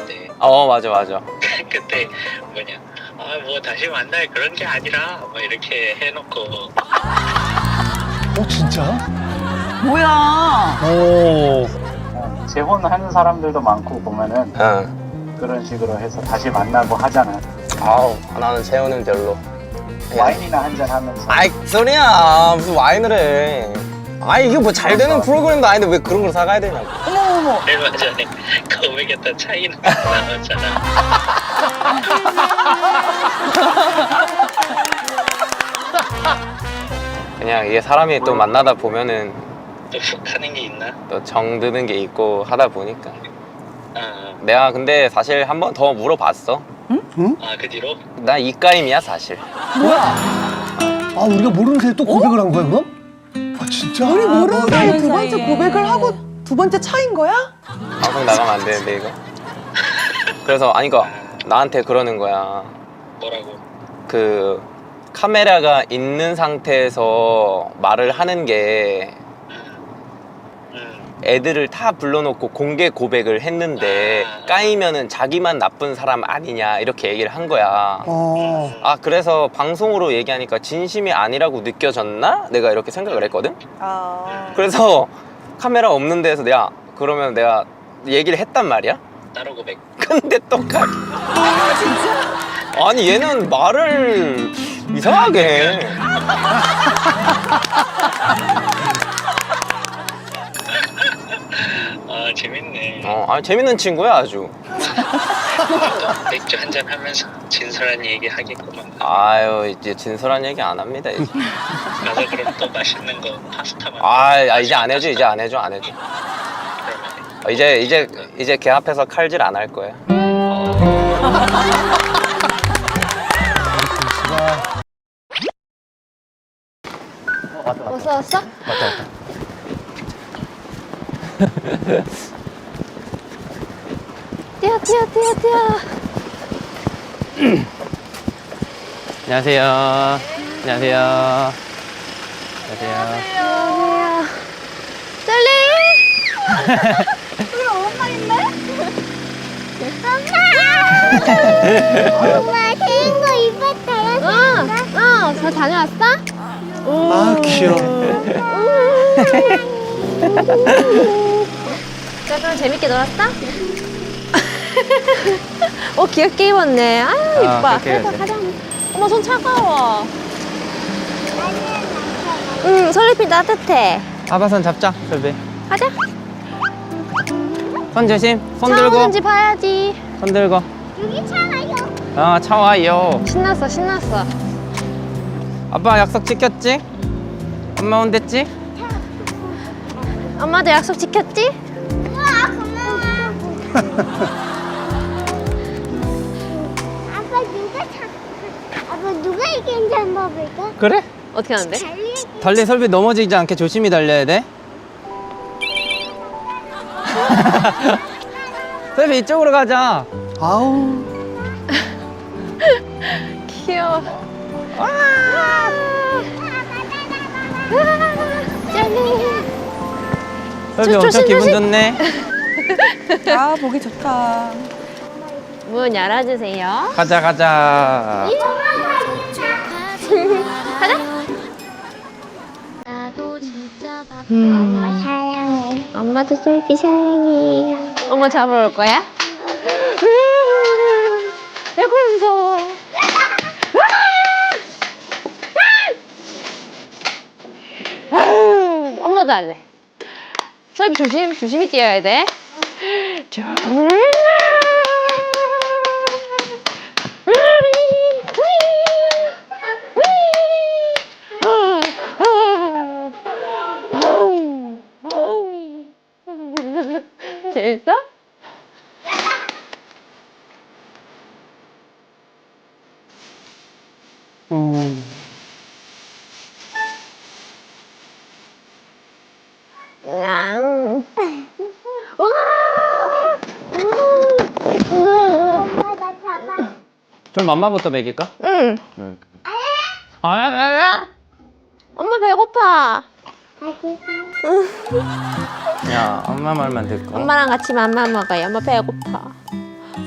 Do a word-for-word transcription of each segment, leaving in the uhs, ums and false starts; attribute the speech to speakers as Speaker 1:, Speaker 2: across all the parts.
Speaker 1: 때.
Speaker 2: 어 맞아 맞아.
Speaker 1: 그때 뭐냐, 아 뭐 다시 만날 그런 게 아니라 뭐 이렇게 해놓고.
Speaker 3: 어 진짜?
Speaker 4: 뭐야?
Speaker 3: 오.
Speaker 5: 재혼하는 사람들도 많고 보면은
Speaker 2: 응.
Speaker 5: 그런 식으로 해서 다시 만나고 하잖아.
Speaker 2: 아우 나는 재혼은 별로.
Speaker 5: 와인이나 한잔 하면서.
Speaker 2: 아이 소리야 무슨 와인을 해. 아 이게 뭐 잘 되는 프로그램도 아닌데 왜 그런 걸 사가야 되냐고.
Speaker 4: 어머머머.
Speaker 1: 얼마 전에 거액에다 차이는 나왔잖아.
Speaker 2: 그냥 이게 사람이 또 만나다 보면은
Speaker 1: 또 훅 하는 게 있나?
Speaker 2: 또 정드는 게 있고 하다 보니까.
Speaker 1: 어.
Speaker 2: 내가 근데 사실 한 번 더 물어봤어.
Speaker 1: 아 그 뒤로?
Speaker 2: 나 이까임이야 사실.
Speaker 4: 뭐야?
Speaker 3: 아 우리가 모르는 사이에 또 고백을 한 거야 그럼? 아 진짜?
Speaker 4: 우리 모르는 사이에
Speaker 6: 모르는
Speaker 4: 두 번째
Speaker 6: 사이에.
Speaker 4: 고백을 하고 두 번째 차인 거야?
Speaker 2: 방송 나가면 안 되는데 이거. 그래서 아니 그 나한테 그러는 거야.
Speaker 1: 뭐라고?
Speaker 2: 그 카메라가 있는 상태에서 말을 하는 게
Speaker 1: 음.
Speaker 2: 애들을 다 불러놓고 공개 고백을 했는데 까이면은 자기만 나쁜 사람 아니냐 이렇게 얘기를 한 거야.
Speaker 3: 어.
Speaker 2: 아 그래서 방송으로 얘기하니까 진심이 아니라고 느껴졌나? 내가 이렇게 생각을 했거든.
Speaker 4: 아.
Speaker 2: 그래서 카메라 없는 데서 내가 그러면 내가 얘기를 했단 말이야.
Speaker 1: 따로 고백.
Speaker 2: 근데 똑같.
Speaker 4: 아 진짜?
Speaker 2: 아니 얘는 말을 이상하게 해.
Speaker 1: 아 재밌네.
Speaker 2: 어, 아 재밌는 친구야 아주.
Speaker 1: 또 맥주 한잔 하면서 진솔한 얘기 하겠구만.
Speaker 2: 아유 이제 진솔한 얘기 안 합니다 이제.
Speaker 1: 가서 그럼 또 맛있는 거 파스타만.
Speaker 2: 아, 아 이제 안 해줘 이제 안 해줘 안 해줘.
Speaker 1: 그러면
Speaker 2: 어, 이제 이제 이제 걔 앞에서 칼질 안 할 거야.
Speaker 6: 왔어 왔어?
Speaker 2: 맞다 맞다.
Speaker 6: 뛰어 뛰어 뛰어 뛰어.
Speaker 2: 안녕하세요. 안녕하세요. 안녕하세요.
Speaker 6: 안녕하세요. 셀리. 우리 엄마 있네? 엄마. 엄마 새인 거 입었어요? 응. 어. 잘 다녀왔어?
Speaker 3: 아 귀여워.
Speaker 6: 자, 그럼 재밌게 놀았어? 어, 귀엽게 입었네. 아, 이뻐.
Speaker 2: 그렇게
Speaker 6: 가자,
Speaker 2: 해야지.
Speaker 6: 가자. 어머, 손 차가워. 응, 솔잎이 따뜻해.
Speaker 2: 아바선 잡자 설비.
Speaker 6: 가자.
Speaker 2: 손 조심. 손
Speaker 6: 차
Speaker 2: 들고.
Speaker 6: 오는지 봐야지.
Speaker 2: 손 들고.
Speaker 6: 여기 차 와요.
Speaker 2: 아 차 와요.
Speaker 6: 신났어, 신났어.
Speaker 2: 아빠 약속 지켰지? 엄마 온댔지?
Speaker 6: 엄마도 약속 지켰지?
Speaker 7: 우와 고마워. 아빠 누가 차? 아빠 누가 이긴지 한번 볼까?
Speaker 2: 그래?
Speaker 6: 어떻게 하는데?
Speaker 7: 달리기.
Speaker 2: 달리 설비 넘어지지 않게 조심히 달려야 돼. 설비 이쪽으로 가자.
Speaker 3: 아우.
Speaker 6: 귀여워. 와! 짠!
Speaker 2: 설비
Speaker 6: 조-
Speaker 2: 엄청
Speaker 6: 조심,
Speaker 2: 기분
Speaker 6: 조심.
Speaker 2: 좋네.
Speaker 4: 아 보기 좋다.
Speaker 6: 문 열어주세요.
Speaker 2: 가자 가자.
Speaker 6: 가자.
Speaker 7: 엄마 사랑해. 엄마도 셀피 사랑해.
Speaker 6: 엄마 잡으러 올 거야? 아이고 무서워. 엄마도 할래. 설비 조심, 조심히 뛰어야 돼. 자. 재밌어?
Speaker 3: 음.
Speaker 6: 응.
Speaker 7: 엄마 나 잡아.
Speaker 2: 좀 맘마부터 먹일까?
Speaker 6: 응.
Speaker 2: 응. 아, 아, 아.
Speaker 6: 엄마 배고파.
Speaker 2: 야, 엄마 말만 듣고.
Speaker 6: 엄마랑 같이 맘마 먹어요. 엄마 배고파.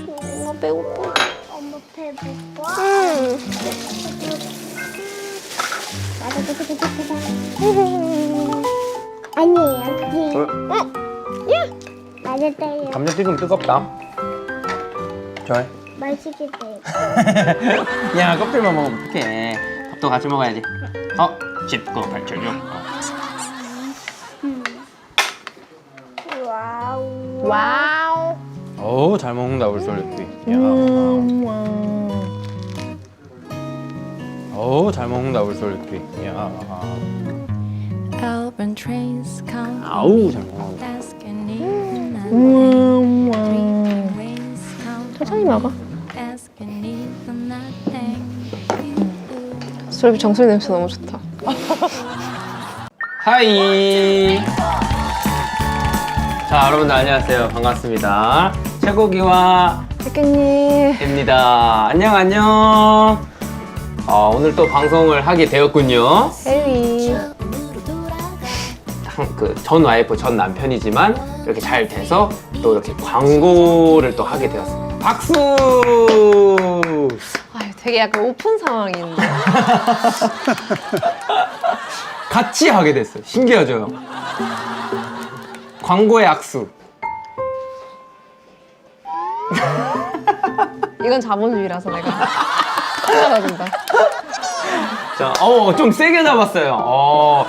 Speaker 7: 아니에요.
Speaker 2: 어?
Speaker 7: 맞았어요.
Speaker 2: 감자튀김 뜨겁다. 좋아해.
Speaker 7: 맛있겠어요.
Speaker 2: 야, 껍질만 먹으면 어떡해. 밥도 같이 먹어야지. 어? 씹고 발쳐줘.
Speaker 7: 와우.
Speaker 6: 와우.
Speaker 2: 어우, 잘 먹는다, 우리 솔리피. 야. 어우, 잘 먹는다, 우리 솔리피. 야.
Speaker 8: Urban trains come
Speaker 2: 아우, 잘 먹는다.
Speaker 8: asking even nothing. Rains come
Speaker 6: 천천히 먹어.
Speaker 8: asking even nothing.
Speaker 6: 솔비 정수리 냄새 너무 좋다.
Speaker 2: 하이. 자, 여러분들 안녕하세요. 반갑습니다. 최고기와
Speaker 6: 백개님.
Speaker 2: 입니다. 안녕, 안녕. 어, 오늘 또 방송을 하게 되었군요.
Speaker 6: 헬리.
Speaker 2: 그 전 와이프, 전 남편이지만 이렇게 잘 돼서 또 이렇게 광고를 또 하게 되었습니다. 박수!
Speaker 6: 아유, 되게 약간 오픈 상황인데.
Speaker 2: 같이 하게 됐어요. 신기하죠? 광고의 악수.
Speaker 6: 이건 자본주의라서 내가 하나가 된다.
Speaker 2: 자, 어, 좀 세게 잡았어요. 어.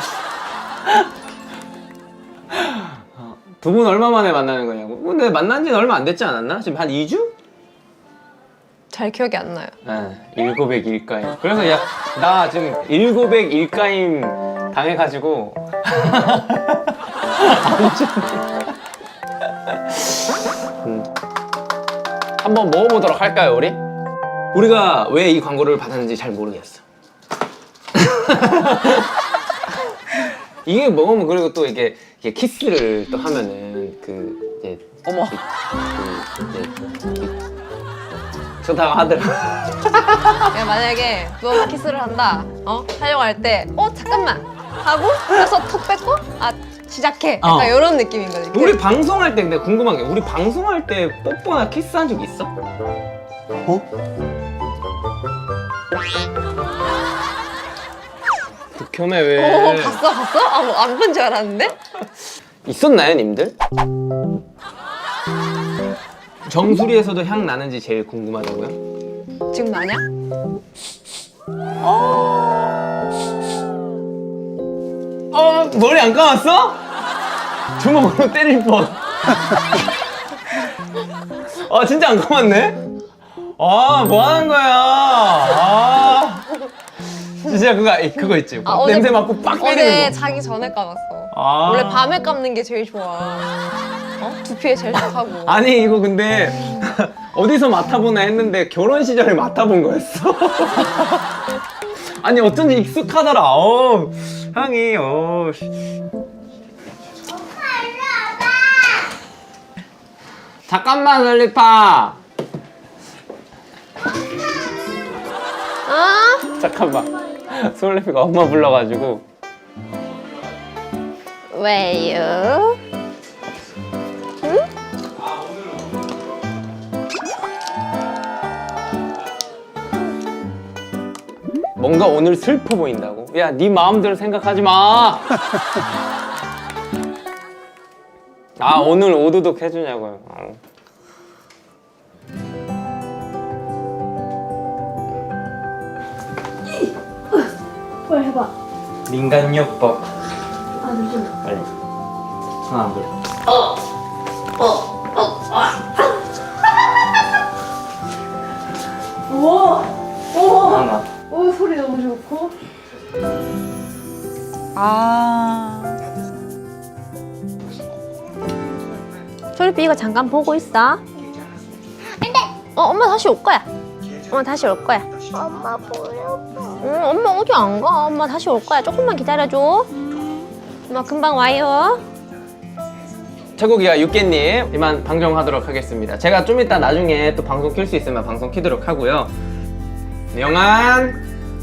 Speaker 2: 두 분 얼마 만에 만나는 거냐고? 근데 만난 지는 얼마 안 됐지 않았나? 지금 한 이 주?
Speaker 6: 잘 기억이 안 나요.
Speaker 2: 네, 일곱백 일가임. 그래서 야, 나 지금 일곱백 일가임 당해가지고. 음. 한번 먹어보도록 할까요, 우리? 우리가 왜 이 광고를 받았는지 잘 모르겠어. 이게 먹으면 그리고 또 이게, 이게 키스를 또 하면은 그 이제
Speaker 4: 어머.
Speaker 2: 그 이제 좋다고 하더라.
Speaker 6: 야, 만약에 너 키스를 한다, 어? 하려고 할 때, 어, 잠깐만! 하고, 그래서 턱 뺏고, 아, 시작해! 약간
Speaker 2: 어.
Speaker 6: 이런 느낌인 거지.
Speaker 2: 우리 방송할 때 근데 궁금한 게 우리 방송할 때 뽀뽀나 키스한 적 있어?
Speaker 3: 어?
Speaker 2: 극혐해 왜?
Speaker 6: 오, 봤어, 봤어? 아, 뭐 안 본 줄 알았는데?
Speaker 2: 있었나요, 님들? 정수리에서도 향 나는지 제일 궁금하다고요?
Speaker 6: 지금 나냐?
Speaker 2: 어, 머리 안 감았어? 주먹으로 때릴 뻔. 아, 진짜 안 감았네? 아, 뭐 하는 거야? 아. 진짜 그거, 그거 있지?
Speaker 6: 아, 어제-
Speaker 2: 냄새 맡고 빡
Speaker 6: 어제
Speaker 2: 때리는 거.
Speaker 6: 자기 전에 감았어.
Speaker 2: 아.
Speaker 6: 원래 밤에 감는 게 제일 좋아. 어? 두피에 제일 좋다고.
Speaker 2: 아니, 이거 근데 어디서 맡아보나 했는데 결혼 시절에 맡아본 거였어. 아니, 어쩐지 익숙하더라. 어, 향이, 어. 잠깐만, 설리파.
Speaker 6: 아?
Speaker 2: 잠깐만. 솔리피가 엄마 불러가지고.
Speaker 6: 왜요?
Speaker 2: 뭔가 오늘 슬퍼 보인다고? 야, 네 마음대로 생각하지 마. 아, 오늘 오두독 해주냐고요. 어.
Speaker 7: 뭘 해봐.
Speaker 2: 민간요법.
Speaker 7: 아, 잠시만.
Speaker 2: 빨리. 하나, 둘.
Speaker 7: 우와. 우와.
Speaker 2: 하나.
Speaker 7: 오, 소리 너무 좋고.
Speaker 4: 아.
Speaker 6: 솔비 이거 잠깐 보고 있어. 안 돼. 어, 엄마 다시 올 거야. 엄마 다시 올 거야.
Speaker 7: 엄마 보여봐.
Speaker 6: 응, 엄마 어디 안 가. 엄마 다시 올 거야. 조금만 기다려줘. 엄마 금방 와요.
Speaker 2: 최고기와 육개님 이만 방송하도록 하겠습니다. 제가 좀 이따 나중에 또 방송 킬 수 있으면 방송 키도록 하고요. 영안.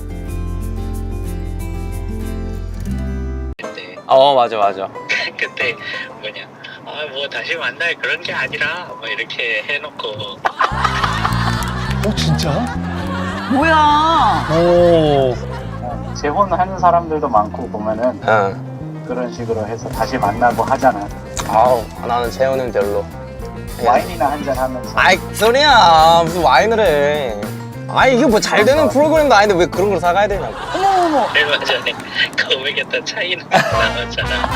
Speaker 1: 그때
Speaker 2: 어, 맞아, 맞아.
Speaker 1: 그때 뭐냐 아 뭐 다시 만날 그런 게 아니라 뭐 이렇게 해놓고
Speaker 3: 어 진짜?
Speaker 4: 뭐야?
Speaker 3: 오.
Speaker 5: 재혼하는 사람들도 많고 보면은
Speaker 2: 응.
Speaker 5: 그런 식으로 해서 다시 만나고 하잖아.
Speaker 2: 아우 나는 재혼은 별로.
Speaker 5: 와인이나 한잔 하면서.
Speaker 2: 아이 소리야 무슨 와인을 해. 아이 이게 뭐 잘 되는 프로그램도 아닌데 왜 그런 걸 사가야 되냐고.
Speaker 1: 얼마 전에 고백했던 차이나 나왔잖아.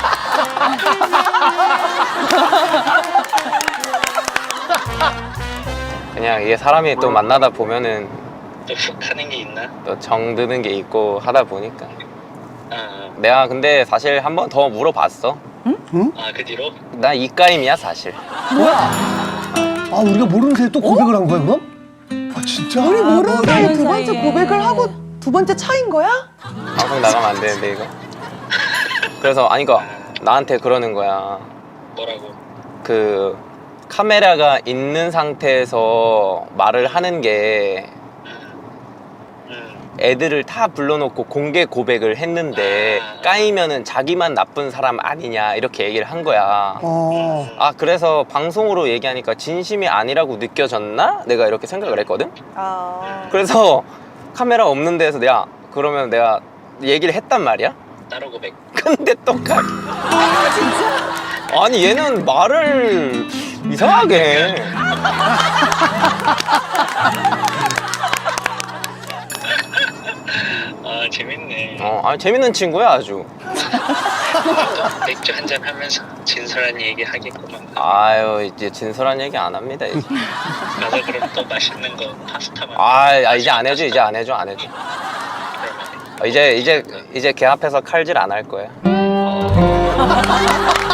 Speaker 2: 그냥 이게 사람이 또 만나다 보면은
Speaker 1: 또 훅 하는 게 있나?
Speaker 2: 또 정드는 게 있고 하다 보니까.
Speaker 1: 아,
Speaker 2: 내가 근데 사실 한 번 더 물어봤어.
Speaker 1: 아, 그 뒤로?
Speaker 2: 나 이까임이야 사실.
Speaker 3: 아 우리가 모르는 사이에 또 고백을 한 거야 그럼? 아 진짜?
Speaker 4: 우리 모르는
Speaker 3: 아,
Speaker 4: 사이에 두
Speaker 3: 뭐,
Speaker 4: 번째
Speaker 6: 사이에.
Speaker 4: 고백을 하고 두 번째 차인 거야?
Speaker 2: 방송 나가면 안 되는데 이거. 그래서 아니 그 나한테 그러는 거야.
Speaker 1: 뭐라고?
Speaker 2: 그 카메라가 있는 상태에서 말을 하는 게
Speaker 1: 음,
Speaker 2: 애들을 다 불러놓고 공개 고백을 했는데 까이면은 자기만 나쁜 사람 아니냐 이렇게 얘기를 한 거야.
Speaker 3: 어.
Speaker 2: 아 그래서 방송으로 얘기하니까 진심이 아니라고 느껴졌나? 내가 이렇게 생각을 했거든.
Speaker 4: 아.
Speaker 2: 그래서 카메라 없는 데서 내가 그러면 내가 얘기를 했단 말이야.
Speaker 1: 따로 고백.
Speaker 2: 근데 똑같. 아니 얘는 말을 이상하게 해.
Speaker 1: 아, 재밌네.
Speaker 2: 어, 아니 재밌는 친구야 아주.
Speaker 1: 맥주 한잔 하면서 진솔한 얘기 하겠구만.
Speaker 2: 아유 이제 진솔한 얘기 안 합니다 이제.
Speaker 1: 가서 그럼 또 맛있는 거 파스타만.
Speaker 2: 아, 아 이제 안 해줘 이제 안 해줘 안 해줘.
Speaker 1: 그러면
Speaker 2: 어, 이제 이제 이제 걔 앞에서 칼질 안 할 거야.
Speaker 1: 어,